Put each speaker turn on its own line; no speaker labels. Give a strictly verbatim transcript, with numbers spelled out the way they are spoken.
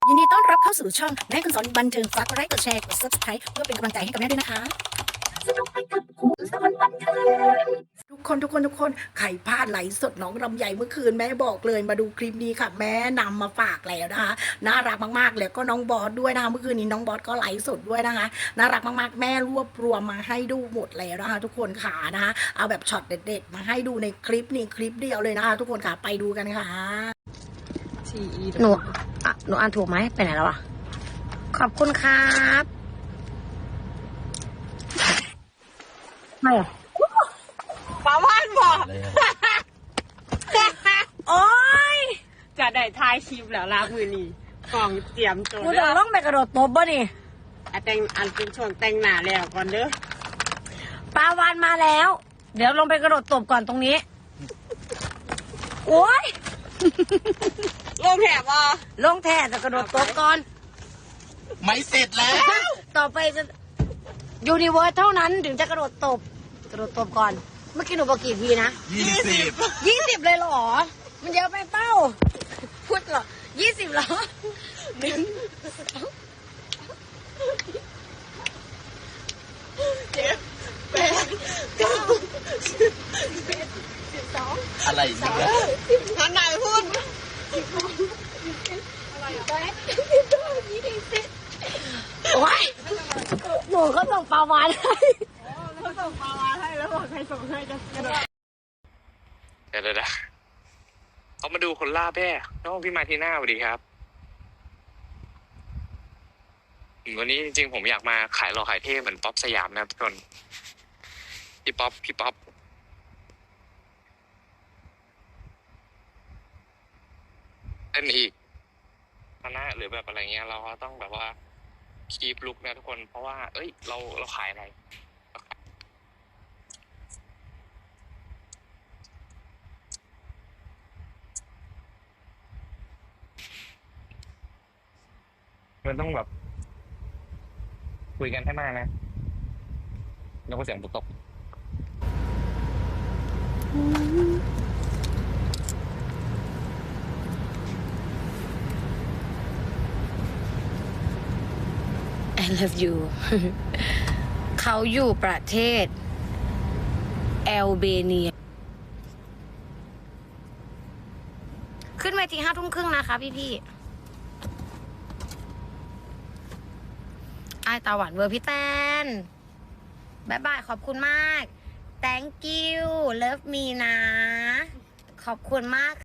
ยินดีต้อนรับเข้าสู่ช่องแม่คุณสอนบันเทิงฝากกดไลค์กดแชร์กด ซับสไครบ์ เพื่อเป็นกำลังใจให้กับแม่ด้วยนะคะทุกคนทุกคนทุกคนใครพลาดไหลฟ์สดน้องลำไยเมื่อคืนแม่บอกเลยมาดูคลิปนี้ค่ะ แม่นำมาฝากแล้วนะคะน่ารักมากๆแล้วก็น้องบอสด้วยนะคะเมื่อคืนนี้น้องบอสก็ไลฟ์สดด้วยนะคะน่ารักมากๆแม่รวบรวมมาให้ดูหมดแล้วนะคะทุกคนค่ะนะคะเอาแบบช็อตเด็ดๆมาให้ดูในคลิปนี้คลิปเดียวเลยนะคะทุกคนค่ะไปดูกันค่ะ
หนูอ่ะหนูอ่านถูกไหมไปไหนแล้วอ่ะขอบคุณครับไม่อ่ะ
ป้าว่านบอก
โอ้ย
จะได้ทายคลิปแล้วลามือนีกล่องเตรียมตัว
หนู
เด้
จะ
อ
ต้องไปกระโดดตบบ่นี่
อ่ะแต่งอันเป็นช่วงแต่งหน้าแล้วก่อนเด้อ
ปลาวานมาแล้ว เดี๋ยวลงไปกระโดดตบก่อนตรงนี้โอ้ย
ลงแถบอ่ะ
ลงแท่จะกระโดดตบก่อน
ไม่เสร็จแล้ว
ต่อไปจะยูนิเวิร์สเท่านั้นถึงจะกระโดดตบกระโดดตบก่อนเมื่อกี้หนูบอกกี่ทีนะ
ยี่สิบ
ยี่สิบเลยเหรอ มันเยอะไปเป้า พูดเหรอยี่สิบเหรอหนึ่ง
อะไรอีกนะ
ท่านไหนพูด
โอ้ยหนูก็ส่งปลาวานให้
เขาส่งปลาวานให้แล้วบอกใครส่งให้จะกระโดด
เดี๋ยวเดี๋ยวเขามาดูคนล่าแพ้น้องพี่มาทีน่าสวัสดีครับวันนี้จริงๆผมอยากมาขายหล่อขายเท่เหมือนป๊อปสยามนะครับทุกคนพี่ป๊อปพี่ป๊อปเล่นอีกคณะหรือแบบอะไรเงี้ยเราก็ต้องแบบว่าคีปลุกนะทุกคนเพราะว่าเอ้ยเราเราขายอะไรมันต้องแบบคุยกันให้มากนะแล้วก็เสียงตก
I love you เขาอยู่ประเทศแอลเบเนียขึ้นเวทีห้าทุ่มครึ่งนะคะพี่พี่ไอตาหวานเวอร์พี่แตนบายบายขอบคุณมาก thank you love me นะ ขอบคุณมาก